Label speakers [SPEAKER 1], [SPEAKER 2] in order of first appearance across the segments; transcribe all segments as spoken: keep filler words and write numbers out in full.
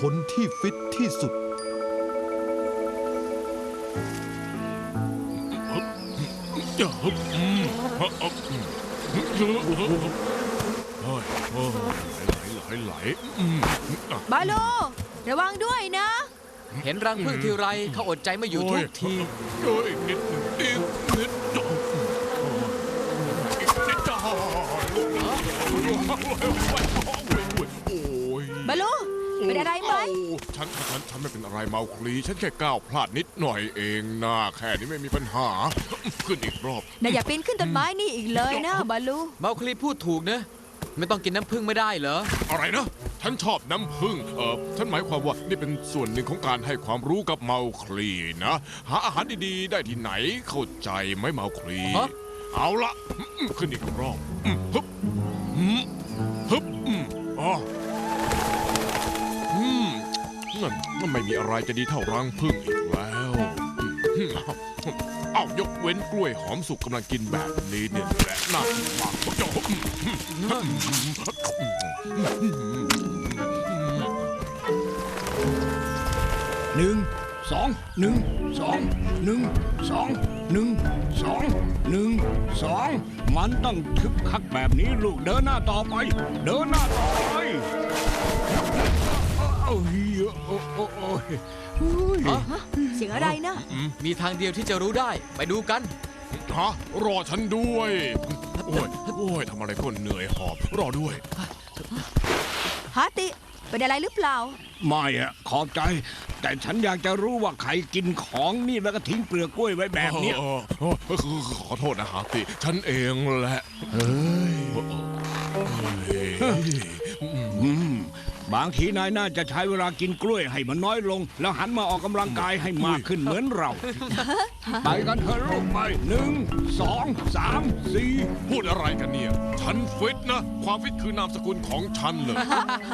[SPEAKER 1] คนที่ฟิตที่สุด
[SPEAKER 2] ไหล
[SPEAKER 3] บาโลระวังด้วยนะ
[SPEAKER 4] เห็นรังผึ้งทีไรเขาอดใจไม่อยู่ทุกที
[SPEAKER 2] โอ้ยนิดนิดนิด
[SPEAKER 3] บาโลเป็นอะไรไหม
[SPEAKER 2] ฉันฉันฉันไม่เป็นอะไรเมาคลีฉันแค่ก้าวพลาดนิดหน่อยเองนะแค่นี้ไม่มีปัญหาขึ้นอีกรอบ
[SPEAKER 3] นายอย่าปีนขึ้นต้นไม้นี่อีกเลยนะบาโล
[SPEAKER 4] เมาคลีพูดถูกนะไม่ต้องกินน้ำผึ้งไม่ได้เหรอ
[SPEAKER 2] อะไรนะฉันชอบน้ำผึ้งเออฉันหมายความว่านี่เป็นส่วนหนึ่งของการให้ความรู้กับเมาคลีนะหาอาหารดีๆได้ที่ไหนเข้าใจไหมเมาคลีเอาละขึ้นอีกรอบฮึบฮึบอ๋อนั่นมันไม่มีอะไรจะดีเท่ารังผึ้งอีกแล้วเอ้ายกเว้นกล้วยหอมสุกกำลังกินแบบนี้เนี่ยแหละน่ากินมากจบ
[SPEAKER 5] หนึ่งสองหนึ่งสองหนึ่งสองหนึ่งสองหนึ่งสองมันต้องคึกคักแบบนี้ลูกเดินหน้าต่อไปเดินหน้าต่อไปโอ้ยโอ้โอ้โอ้ย
[SPEAKER 3] เสียงอะไรนะ
[SPEAKER 4] มีทางเดียวที่จะรู้ได้ไปดูกัน
[SPEAKER 2] ฮะรอฉันด้วยโอ้ยโอ้ยทำอะไรก็เหนื่อยหอบรอด้วย
[SPEAKER 3] ฮาติเป็นอะไรหรือเปล่า
[SPEAKER 5] ไม่อะขอบใจ แต่ฉันอยากจะรู้ว่าใครกินของนี่แล้วก็ทิ้งเปลือกกล้วยไว้แบบเนี้ย
[SPEAKER 2] ขอโทษนะฮาติฉันเองแหละ
[SPEAKER 5] เฮ้ยอืมบางทีนายน่าจะใช้เวลากินกล้วยให้มันน้อยลง แล้วหันมาออกกำลังกายให้มากขึ้นเหมือนเรา ไปกันเถอะลูกไปหนึ่งสองสามสี่
[SPEAKER 2] พูดอะไรกันเนี่ยฉันฟิตนะความฟิตคือนามสกุลของฉันเลย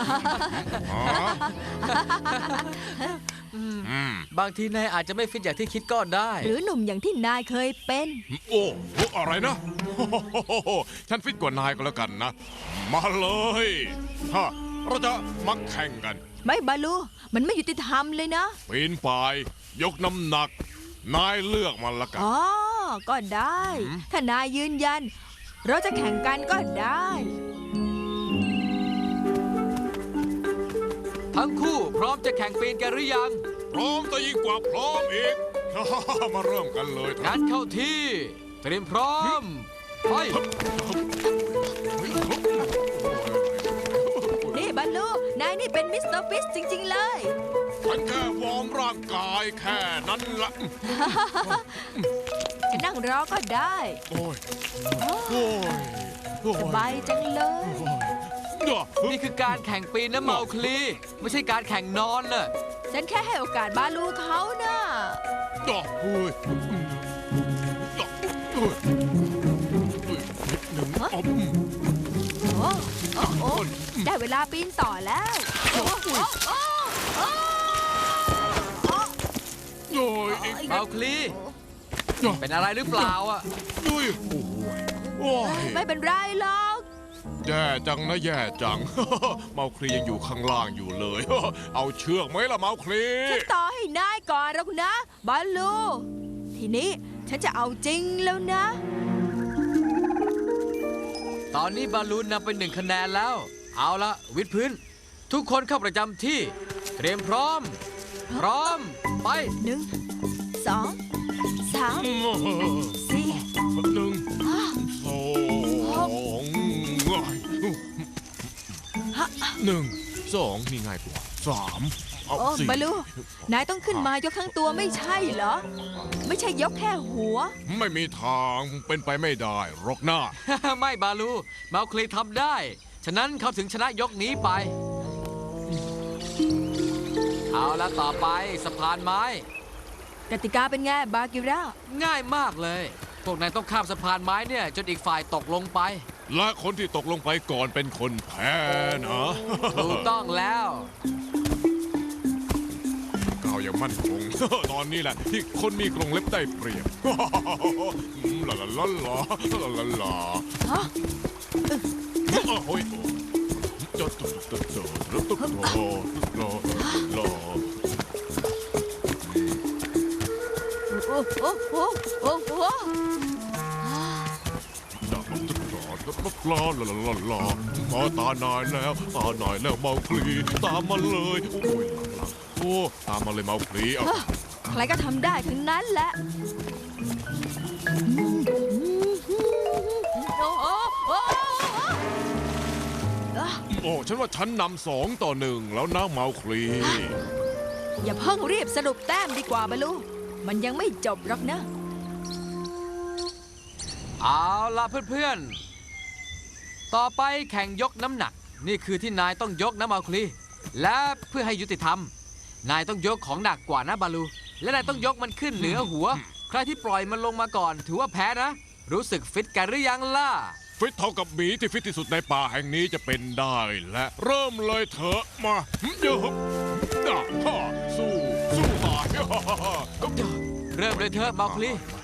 [SPEAKER 4] บางทีนายอาจจะไม่ฟิตอย่างที่คิดก็ได้
[SPEAKER 3] หรือหนุ่มอย่างที่นายเคยเป็น
[SPEAKER 2] โอ้โหอะไรนะฉันฟิตกว่านายก็แล้วกันนะมาเลยฮะเราจะมาแข่งกัน
[SPEAKER 3] ไม่บาลูมันไม่ยุติธรรมเลยนะ
[SPEAKER 2] ปีนป่ายยกน้ำหนักนายเลือกมันละกัน
[SPEAKER 3] อ๋อ ก็ได้ ถ้านายยืนยัน เราจะแข่งกันก็ได้
[SPEAKER 4] ทั้งคู่พร้อมจะแข่งปีนกันหรือยัง
[SPEAKER 2] พร้อมแต่ยิ่งกว่าพร้อมอีก มาเริ่มกันเลยครั
[SPEAKER 4] งั้
[SPEAKER 2] บ
[SPEAKER 4] นเข้าที่เตรียมพร้อมไป
[SPEAKER 3] นี่บาลูนายนี่เป็นมิสเตอร์ฟิสจริงๆเลย
[SPEAKER 2] ฉันแค่วอร์มร่างกายแค่นั้นละ
[SPEAKER 3] จะนั่งรอก็ได้
[SPEAKER 2] โอ้ยโอ้ยโอ้ย
[SPEAKER 3] สบายจังเลย
[SPEAKER 4] นี่คือการแข่งปีนนะเมาคลีไม่ใช่การแข่งนอนน่ะ
[SPEAKER 3] ฉันแค่ให้โอกาสบาลูเขานะ
[SPEAKER 2] ดอกเฮ้ยดอกเฮ้ยนิดหนึ่งอ๋อ
[SPEAKER 3] โอ้โอ้โอ้ได้เวลาปีนต่อแล้วโอ้โอ้โอ้โอ้โอ้
[SPEAKER 2] โอ้ยอีก
[SPEAKER 4] เมาคลีเป็นอะไรหรือเปล่าอ่ะ
[SPEAKER 2] ด้วยโอ้ยโอ้ย
[SPEAKER 3] ไม่เป็นไรหรอก
[SPEAKER 2] แย่จังนะแย่จัง เมาคลียังอยู่ข้างล่างอยู่เลย เอาเชือกไหมล่ะเมาคลี
[SPEAKER 3] ฉันต่อให้นายก่อนหรอกนะบาลู ทีนี้ฉันจะเอาจริงแล้วนะ
[SPEAKER 4] ตอนนี้บอลลูนนำไปหนึ่งคะแนนแล้ว เอาละวิดพื้น ทุกคนเข้าประจำที่ เตรียมพร้อม พร้อม ไป
[SPEAKER 3] หนึ่งสองสามสี่
[SPEAKER 2] หนึ่ง
[SPEAKER 3] ห้า
[SPEAKER 2] สองหนึ่งสองนี่ง่ายกว่าสามเอา
[SPEAKER 3] โอ้
[SPEAKER 2] สี่
[SPEAKER 3] บาลู นายต้องขึ้นมายกทั้งตัวไม่ใช่เหรอ ไม่ใช่ยกแค่หัว
[SPEAKER 2] ไม่มีทางเป็นไปไม่ได้หรอกหน้า
[SPEAKER 4] ไม่บาลูเมาคลีทำได้ ฉะนั้นเขาถึงชนะยกนี้ไป เอาละต่อไปสะพานไม้
[SPEAKER 3] กติกาเป็นไงบากิรา
[SPEAKER 4] ง่ายมากเลย พวกนายต้องข้ามสะพานไม้เนี่ยจนอีกฝ่ายตกลงไป
[SPEAKER 2] และคนที่ตกลงไปก่อนเป็นคนแพ้นะ
[SPEAKER 4] ถูกต้องแล้ว
[SPEAKER 2] ก้าวอย่างมั่นคง ตอนนี้แหละที่คนมีกรงเล็บได้เปรียบ ลาลาลาลาลาลาลา
[SPEAKER 3] ฮะ
[SPEAKER 2] โอ้ยจน
[SPEAKER 3] โอ้โอ้โอ้โอ้โอ้
[SPEAKER 2] ลาลาลาลามาตานายแล้วตานายแล้วเมาคลีตามมาเลยโอ้ยหลังๆโอ้ตามมาเลยเมาคลีเอา
[SPEAKER 3] ใครก็ทำได้ทั้งนั้นแหละโอ้โอ้โอ้
[SPEAKER 2] โอ้ฉันว่าฉันนำสองต่อหนึ่งแล้วนะเมาคลี
[SPEAKER 3] อย่าเพิ่งรีบสรุปแต้มดีกว่าบาลูมันยังไม่จบหรอกนะ
[SPEAKER 4] เอาล่ะเพื่อนๆ ต่อไปแข่งยกน้ำหนัก นี่คือที่นายต้องยกนะมาคลี และเพื่อให้ยุติธรรม นายต้องยกของหนักกว่านะบาลู และนายต้องยกมันขึ้นเหนือหัว ใครที่ปล่อยมันลงมาก่อน ถือว่าแพ้นะ รู้สึกฟิตกันหรือยังล่ะ
[SPEAKER 2] ฟิตเท่ากับหมีที่ฟิตที่สุดในป่าแห่งนี้จะเป็นได้และเริ่มเลยเถอะมาเยอะด่าฮ่าสู้สู้ตายฮ่าฮ่าฮ่า
[SPEAKER 4] เริ่มเลยเถอะมาคลี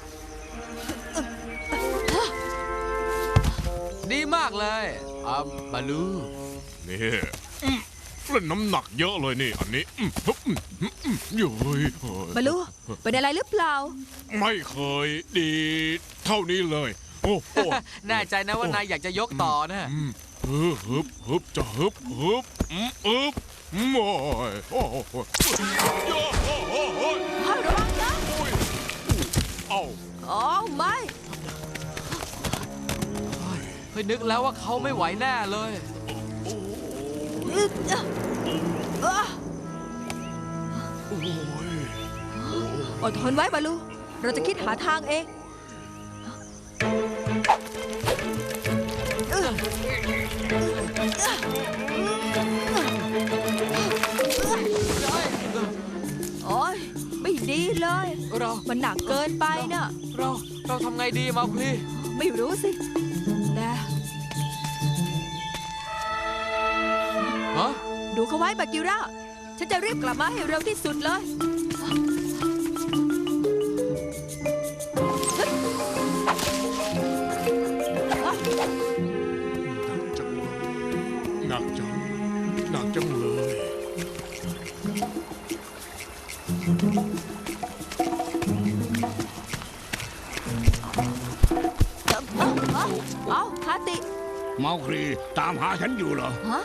[SPEAKER 4] ดีมากเลยอ่าบาลู
[SPEAKER 2] นี่อืมเล่นน้ำหนักเยอะเลยนี่อันนี้อืมฮึบอืมอืมอืมเย้ยเฮ้ย
[SPEAKER 3] บาลูเป็นอะไรหรือเปล่า
[SPEAKER 2] ไม่เคยดีเท่านี้เลย โอ้โห
[SPEAKER 4] แน่ใจนะว่านายอยากจะยกต่อนะ
[SPEAKER 2] อืมฮึบฮึบฮึบจะฮึบฮึบอืมอึบอืมโอ้ยโอ้โหโอ้โหโอ้โห
[SPEAKER 3] ให้ระวังนะ
[SPEAKER 2] โอ้ยเอ้า
[SPEAKER 3] อ๋อไม่
[SPEAKER 4] เฮ้ยนึกแล้วว่าเขาไม่ไหวแน่เลย
[SPEAKER 3] อึ๊ดอ่ะอ่ะ
[SPEAKER 2] โอ้ย
[SPEAKER 3] อดทนไว้บาลู เราจะคิดหาทางเองเออโอ้ยไม่ดีเลย
[SPEAKER 4] เรา
[SPEAKER 3] มันหนักเกินไปน่ะ
[SPEAKER 4] เราเราทำไงดีมาคลี
[SPEAKER 3] ไม่รู้สิแต่
[SPEAKER 4] ฮะ
[SPEAKER 3] ดูเขาไว้บากิร่า ฉันจะรีบกลับมาให้เร็วที่สุดเลย
[SPEAKER 2] หนักจังหนักจังเลย
[SPEAKER 3] เอาเอาเอาฮาติ
[SPEAKER 5] เมาคลีตามหาฉันอยู่เหรอ
[SPEAKER 3] ฮะ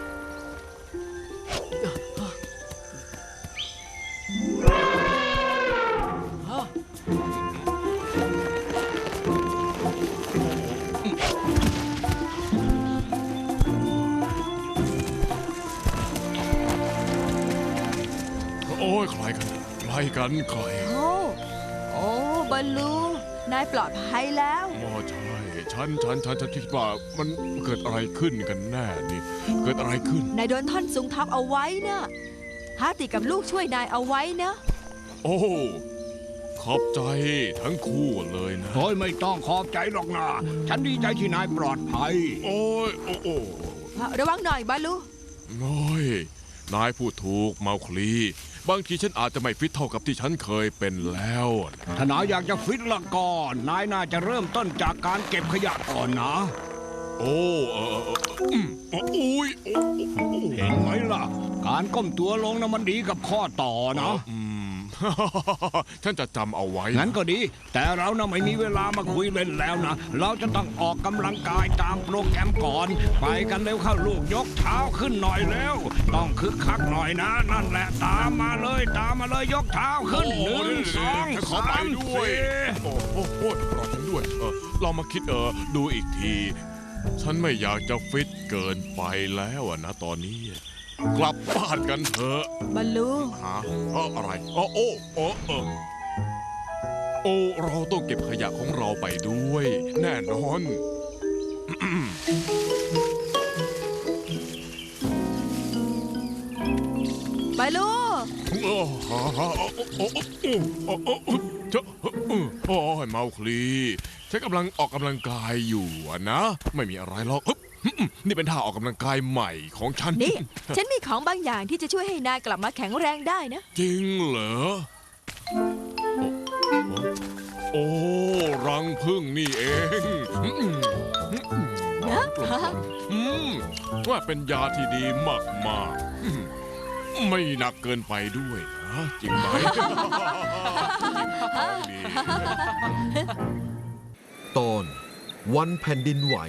[SPEAKER 2] โอ้ยใครกันใครกันใคร
[SPEAKER 3] โอ้โอ้บอลลู นายปลอดภัยแล้ว
[SPEAKER 2] อ๋อใช่ฉันฉันฉันฉันคิดว่ามันเกิดอะไรขึ้นกันแน่นี่ เกิดอะไรขึ้น
[SPEAKER 3] นายโดนท่อนสูงทับเอาไว้นะฮาติกับลูกช่วยนายเอาไว้นะ
[SPEAKER 2] โอ้ขอบใจทั้งคู่เลยนะ
[SPEAKER 5] เฮ้ยไม่ต้องขอบใจหรอกนะฉันดีใจที่นายปลอดภัย
[SPEAKER 2] โอ้ยโอ้โอ้
[SPEAKER 3] ระวังหน่อยบอลลู
[SPEAKER 2] โอ้ยนายพูดถูกเมาคลี บางทีฉันอาจจะไม่ฟิตเท่ากับที่ฉันเคยเป็นแล้ว
[SPEAKER 5] ถ้านายอยากจะฟิตละก่อน นายน่าจะเริ่มต้นจากการเก็บขยะก่อนนะ
[SPEAKER 2] โอ้เออเออเอออืมโอ้ยโอ้โอ้
[SPEAKER 5] เห็นไหมล่ะ การก้มตัวลงนะมันดีกับข้อต่อนะ
[SPEAKER 2] อืม ฉันจะจำเอาไว้
[SPEAKER 5] งั้นก็ดี แต่เรานะไม่มีเวลามาคุยเล่นแล้วนะ เราจะต้องออกกำลังกายตามโปรแกรมก่อน ไปกันเร็วเข้าลูกยกเท้าขึ้นหน่อยเร็ว ต้องคึกคักหน่อยนะ นั่นแหละตามมาเลยตามมาเลยยกเท้าขึ้นหนึ่งสอง
[SPEAKER 2] ฉันขอ
[SPEAKER 5] สา
[SPEAKER 2] ไป
[SPEAKER 5] ม
[SPEAKER 2] ด้วย
[SPEAKER 5] สี่
[SPEAKER 2] โอ้โหโอ้รอฉันด้วยเออเรามาคิดเออดูอีกที ฉันไม่อยากจะฟิตเกินไปแล้วอะนะตอนนี้ กลับบ้านกันเถอะ
[SPEAKER 3] บอลลู
[SPEAKER 2] หาเอออะไรโอ้โอ้โอ้เออโอ้เราต้องเก็บขยะของเราไปด้วย แน่นอน
[SPEAKER 3] บอลลู
[SPEAKER 2] โอ้โหโอ้โอ้โอ้โอ้โอ้เจ้าโอ้ยเมาคลีฉันกำลังออกกำลังกายอยู่อะนะ ไม่มีอะไรหรอกฮึบนี่เป็นท่าออกกำลังกายใหม่ของฉัน
[SPEAKER 3] นี่ ฉันมีของบางอย่างที่จะช่วยให้นายกลับมาแข็งแรงได้นะ
[SPEAKER 2] จริงเหรอ โอ้ รังพึ่งนี่เอง
[SPEAKER 3] โอ้
[SPEAKER 2] านกลมๆอืมว่าเป็นยาที่ดีมากๆอืมไม่หนักเกินไปด้วยนะจริงไหม ดี
[SPEAKER 1] ตอนวันแผ่นดินไหว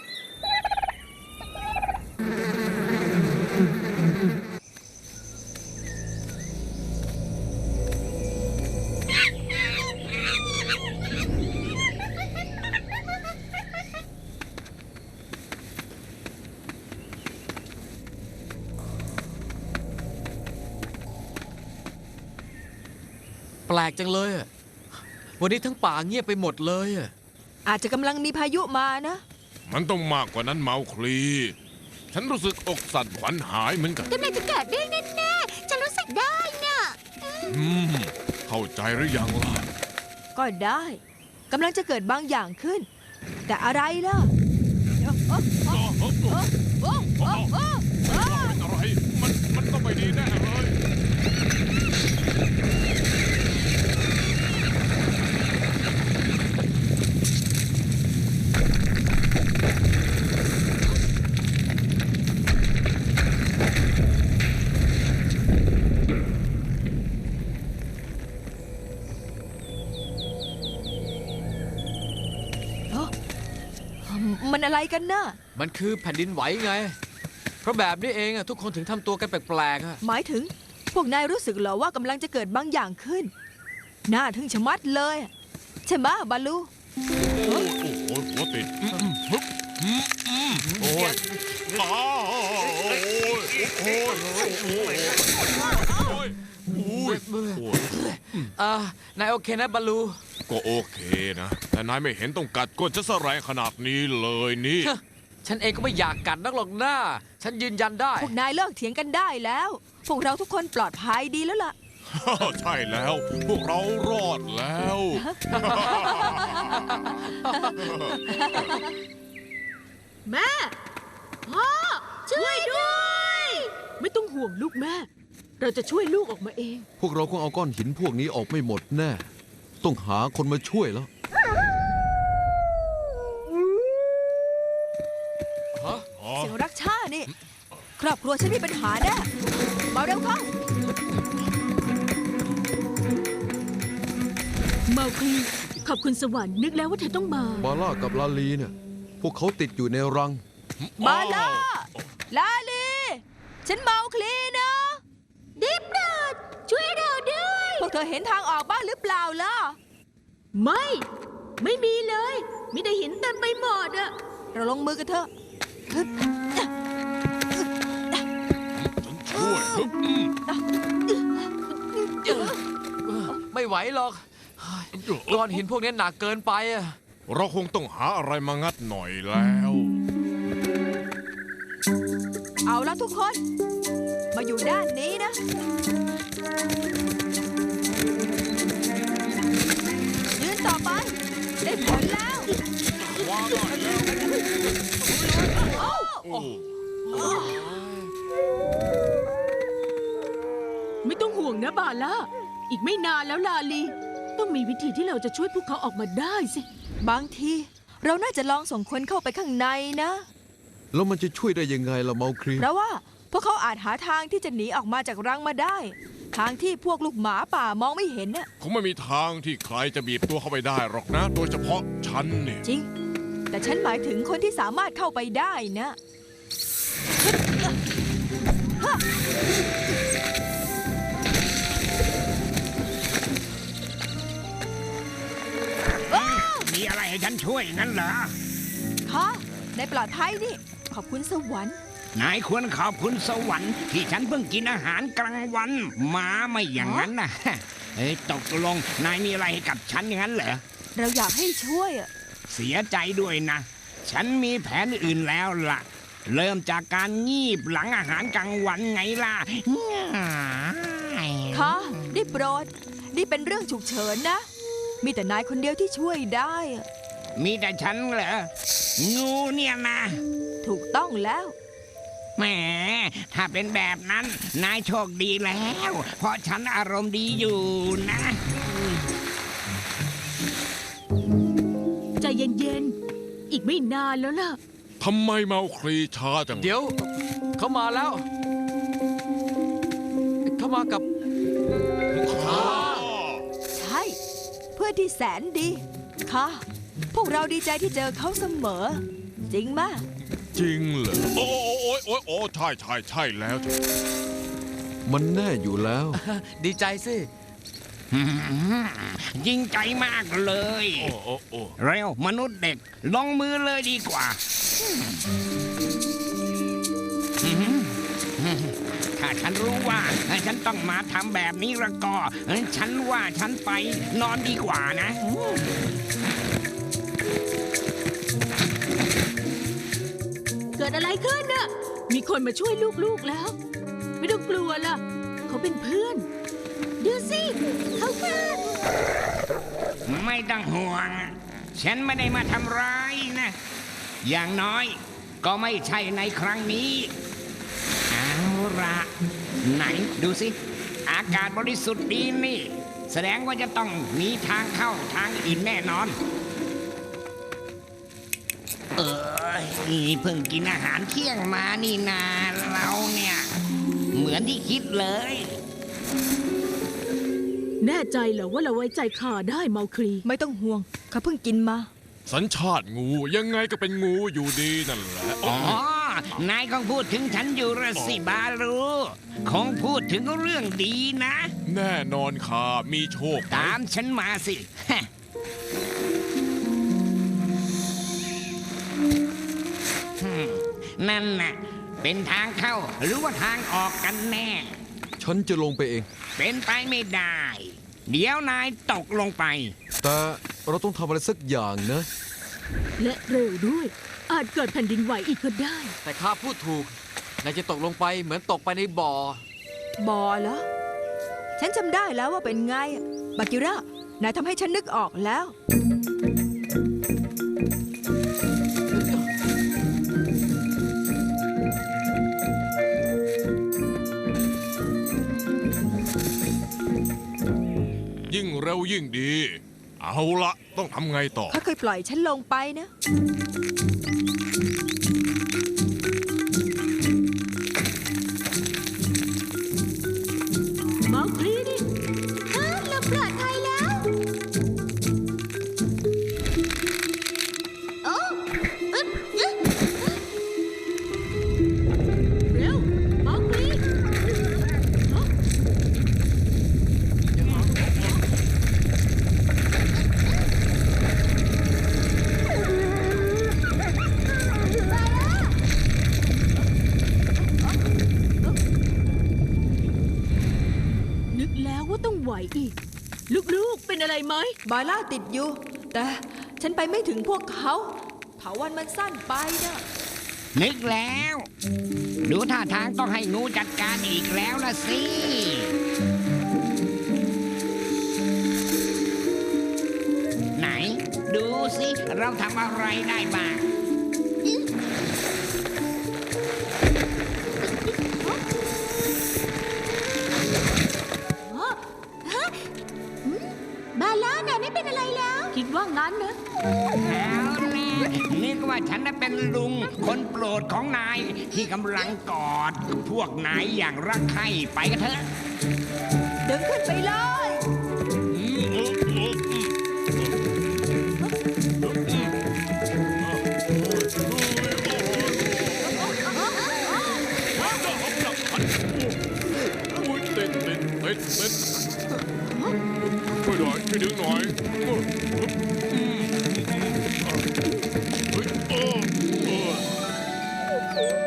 [SPEAKER 4] แปลกจังเลยอะวันนี้ทั้งป่าเงียบไปหมดเลยอะ
[SPEAKER 3] อาจจะกำลังมีพายุมานะ
[SPEAKER 2] มันต้องมากกว่านั้นเมาคลี ฉันรู้สึกอกสั่นขวัญหายเหมือนกัน
[SPEAKER 3] กำลังจะเกิดเรื่องแน่ๆฉันรู้สึกได้น่ะ
[SPEAKER 2] อืม เข้าใจหรือยังล่ะ
[SPEAKER 3] ก็ได้กำลังจะเกิดบางอย่างขึ้น แต่อะไรล่ะ
[SPEAKER 2] เป็นอะไร มัน มันต้องไม่ดีแน่เลย
[SPEAKER 3] มันอะไรกันน่ะ
[SPEAKER 4] มันคือแผ่นดินไหวไง เพราะแบบนี้เองอะทุกคนถึงทำตัวกันแปลกๆอะ
[SPEAKER 3] หมายถึง พวกนายรู้สึกเหรอว่ากำลังจะเกิดบางอย่างขึ้น น่าทึ่งชะมัดเลยใช่ไหมบาลู
[SPEAKER 2] โอ้โหหัวติดอืมอืมฮึบอืมอืมโอ้ยอ้าวโอ้ยโอ้ยโอ้ยโอ้ยโอ้ยโอ้ย
[SPEAKER 4] อ่านายโอเคนะบาลู
[SPEAKER 2] ก็โอเคนะ แต่นายไม่เห็นต้องกัดก้นฉันซะแรงขนาดนี้เลยนี่
[SPEAKER 4] ฉันเองก็ไม่อยากกัดนักหรอกหน้า ฉันยืนยันได้
[SPEAKER 3] พวกนายเลิกเถียงกันได้แล้ว พวกเราทุกคนปลอดภัยดีแล้วล่ะ
[SPEAKER 2] ใช่แล้ว พวกเรารอดแล้ว
[SPEAKER 6] แม่ พ่อ ช่วยด้วย ไม่ต้องห่วงลูกแม่ เราจะช่วยลูกออกมาเอง
[SPEAKER 1] พวกเราคงเอาก้อนหินพวกนี้ออกไม่หมดแน่ ต้องหาคนมาช่วยแล้ว
[SPEAKER 3] เสียงรักชาตินี่ ครอบครัวฉันมีปัญหาแน่มาเร็วเข้า
[SPEAKER 6] เมาคลีขอบคุณสวรรค์นึกแล้วว่าเธอต้องมา
[SPEAKER 1] บาร่ากับลาลีเนี่ย พวกเขาติดอยู่ในรัง
[SPEAKER 3] มาล่าลาลี ฉันเมาคลีนะดิบดดช่วยเราด้วย พวกเธอเห็นทางออกบ้างหรือเปล่าล่ะ
[SPEAKER 6] ไม่ ไม่มีเลยมีแต่หินเต็มไปหมดอะ
[SPEAKER 3] เราลงมือกันเถอะฮึบ
[SPEAKER 2] ช่วยฮึบอืม
[SPEAKER 4] ไม่ไหวหรอกก้อนหินพวกนี้หนักเกินไปอะ
[SPEAKER 2] เราคงต้องหาอะไรมางัดหน่อยแล้ว
[SPEAKER 3] เอาละทุกคน มาอยู่ด้านนี้นะ ยืนต่อไป ได้ผลแล้ว
[SPEAKER 2] ว้าวได้แล้วโอ้
[SPEAKER 6] ไม่ต้องห่วงนะบาล่าอีกไม่นานแล้วลาลี ต้องมีวิธีที่เราจะช่วยพวกเขาออกมาได้สิ
[SPEAKER 3] บางที เราน่าจะลองส่งคนเข้าไปข้างในนะ
[SPEAKER 1] แล้วมันจะช่วยได้ยังไงล่ะเมาครี
[SPEAKER 3] เพราะว่าพวกเขาอาจหาทางที่จะหนีออกมาจากรังมาได้ ทางที่พวกลูกหมาป่ามองไม่เห็นน่ะ
[SPEAKER 2] คงไม่มีทางที่ใครจะบีบตัวเข้าไปได้หรอกนะ โดยเฉพาะฉันเนี่ย
[SPEAKER 3] จริง แต่ฉันหมายถึงคนที่สามารถเข้าไปได้นะ
[SPEAKER 5] มีอะไรให้ฉันช่วยงั้นเหรอ
[SPEAKER 3] ค่ะในปลอดภัยนี่ ขอบคุณสวรรค์
[SPEAKER 5] นายควรขอบคุณสวรรค์ที่ฉันเพิ่งกินอาหารกลางวันหมาไม่อย่างนั้นนะ เฮ้ยตกลงนายมีอะไรให้กับฉันอย่างนั้นเหรอ
[SPEAKER 3] เราอยากให้ช่วยอะ
[SPEAKER 5] เสียใจด้วยนะ ฉันมีแผนอื่นแล้วล่ะ เริ่มจากการงีบหลังอาหารกลางวันไงล่ะ
[SPEAKER 3] ค่ะได้โปรด นี่เป็นเรื่องฉุกเฉินนะ มีแต่นายคนเดียวที่ช่วยได้อะ
[SPEAKER 5] มีแต่ฉันเหรอ งูเนี่ยนะ
[SPEAKER 3] ถูกต้องแล้ว
[SPEAKER 5] แหม ถ้าเป็นแบบนั้น นายโชคดีแล้ว เพราะฉันอารมณ์ดีอยู่นะ
[SPEAKER 6] ใจเย็นๆ อีกไม่นานแล้วล่ะ
[SPEAKER 5] ท
[SPEAKER 2] ทำไมเมาคลีช้าจัง
[SPEAKER 4] เดี๋ยว เขามาแล้ว เขามากับ
[SPEAKER 2] ข้า
[SPEAKER 3] ใช่ เพื่อนที่แสนดีค่ะ พวกเราดีใจที่เจอเขาเสมอ จริงมาก
[SPEAKER 2] จริงเหรอโอ้โอ้โอ้โอ้ใช่ใช่ใช่แล้ว
[SPEAKER 1] มันแน่อยู่แล้ว
[SPEAKER 4] ดีใจสิ
[SPEAKER 5] ยิ่งใจมากเลย
[SPEAKER 2] โอ้โอ้โอ้
[SPEAKER 5] เร็วมนุษย์เด็กลงมือเลยดีกว่าถ้าฉันรู้ว่าฉันต้องมาทำแบบนี้ละก็ ฉันว่าฉันไปนอนดีกว่านะ
[SPEAKER 6] เกิดอะไรขึ้นน่ะ มีคนมาช่วยลูกๆแล้ว ไม่ต้องกลัวล่ะ เขาเป็นเพื่อน ดูสิเขาคือ
[SPEAKER 5] ไม่ต้องห่วง ฉันไม่ได้มาทำร้ายนะ อย่างน้อยก็ไม่ใช่ในครั้งนี้ เอาละไหนดูสิ อากาศบริสุทธิ์ดีนี่ แสดงว่าจะต้องมีทางเข้าทางอื่นแน่นอน เออเพิ่งกินอาหารเที่ยงมานี่นาเราเนี่ย เหมือนที่คิดเลย
[SPEAKER 6] แน่ใจเหรอว่าเราไว้ใจข้าได้เมาคลี
[SPEAKER 3] ไม่ต้องห่วง เขาเพิ่งกินมา
[SPEAKER 2] สัญชาติงูยังไงก็เป็นงูอยู่ดีนั่นแหละ
[SPEAKER 5] อ๋อ นายคงพูดถึงฉันอยู่ละสิบาลูคงพูดถึงเรื่องดีนะ
[SPEAKER 2] แน่นอนข้ามีโชค
[SPEAKER 5] ตามฉันมาสิ นั่นน่ะ เป็นทางเข้าหรือว่าทางออกกันแน่
[SPEAKER 1] ฉันจะลงไปเอง
[SPEAKER 5] เป็นไปไม่ได้ เดี๋ยวนายตกลงไป
[SPEAKER 1] แต่เราต้องทำอะไรสักอย่างนะ
[SPEAKER 6] และเร็วด้วย อาจเกิดแผ่นดินไหวอีกก็ได้
[SPEAKER 4] แต่ข้าพูดถูก นายจะตกลงไปเหมือนตกไปในบ่อ
[SPEAKER 3] บอเหรอ ฉันจำได้แล้วว่าเป็นไง บากิระ นายทำให้ฉันนึกออกแล้ว
[SPEAKER 2] ยิ่งเร็วยิ่งดี เอาละต้องทำไงต่อ
[SPEAKER 3] เขาเคยปล่อยฉันลงไปนะ
[SPEAKER 6] เมาคลีนี่
[SPEAKER 3] เราปลอดภัยแล้ว โอ้
[SPEAKER 6] เร็วเมาคลีฮะ นึกแล้วว่าต้องไหวอีก ลูกๆ เป็นอะไรไหม
[SPEAKER 3] บาร่าติดอยู่ แต่ฉันไปไม่ถึงพวกเขาเถาวันมันสั้นไปนะ
[SPEAKER 5] นึกแล้ว ดูท่าทางต้องให้งูจัดการอีกแล้วละสิ ไหน ดูสิ เราทำอะไรได้บ้าง
[SPEAKER 3] บาร่าน่ะไม่เป็นอะไรแล้ว
[SPEAKER 6] คิดว่างั้นนะ
[SPEAKER 5] เอาล่ะนึกว่าฉันน่ะเป็นลุง คนโปรดของนาย ที่กำลังกอด พวกนายอย่างรักใคร่ไปกันเถอะ
[SPEAKER 3] ดึงขึ้นไปเลย
[SPEAKER 2] อุ้ยติดติดติดติดช่วยหน่อยช่วยดึงหน่อยเฮ้ยเออเออ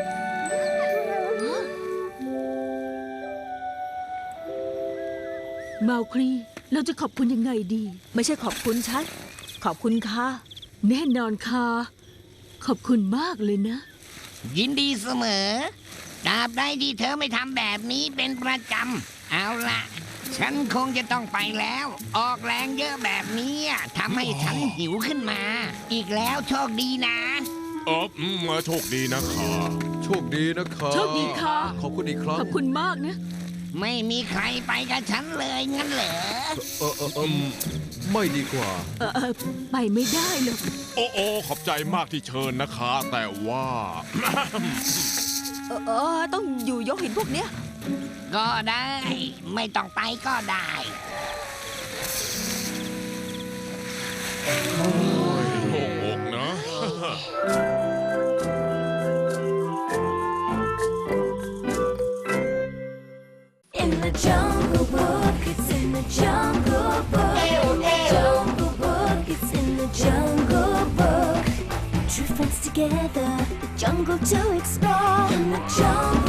[SPEAKER 6] เมาคลี เราจะขอบคุณยังไงดี
[SPEAKER 3] ไม่ใช่ขอบคุณฉัน ขอบคุณค่ะ
[SPEAKER 6] แน่นอนค่ะ ขอบคุณมากเลยนะ
[SPEAKER 5] ยินดีเสมอตราบใดที่เธอไม่ทำแบบนี้เป็นประจำ เอาล่ะ ฉันคงจะต้องไปแล้ว ออกแรงเยอะแบบนี้ทำให้ฉันหิวขึ้นมา อีกแล้วโชคดีนะ
[SPEAKER 2] เอออืมโชคดีนะข้า
[SPEAKER 1] โชคดีนะคะ
[SPEAKER 6] โชคดีค่ะ
[SPEAKER 1] ขอบคุณอีกครั้ง
[SPEAKER 6] ขอบคุณมากนะ
[SPEAKER 7] ไม่มีใครไปกับฉันเลยงั้นเหรอ
[SPEAKER 1] เออเออเออไม่ดีกว่า
[SPEAKER 6] เออเออไปไม่ได้หรอก
[SPEAKER 2] โอ้โอขอบใจมากที่เชิญนะคะ แต่ว่า
[SPEAKER 3] เออเออต้องอยู่ยกหินพวกเนี้ย
[SPEAKER 7] ก็ได้ ไม่ต้องไปก็ได้
[SPEAKER 2] โล่งอกนะ
[SPEAKER 8] In the jungle book, it's in the jungle book. Jungle book, it's in the jungle book. True friends together, the jungle to explore. In the jungle.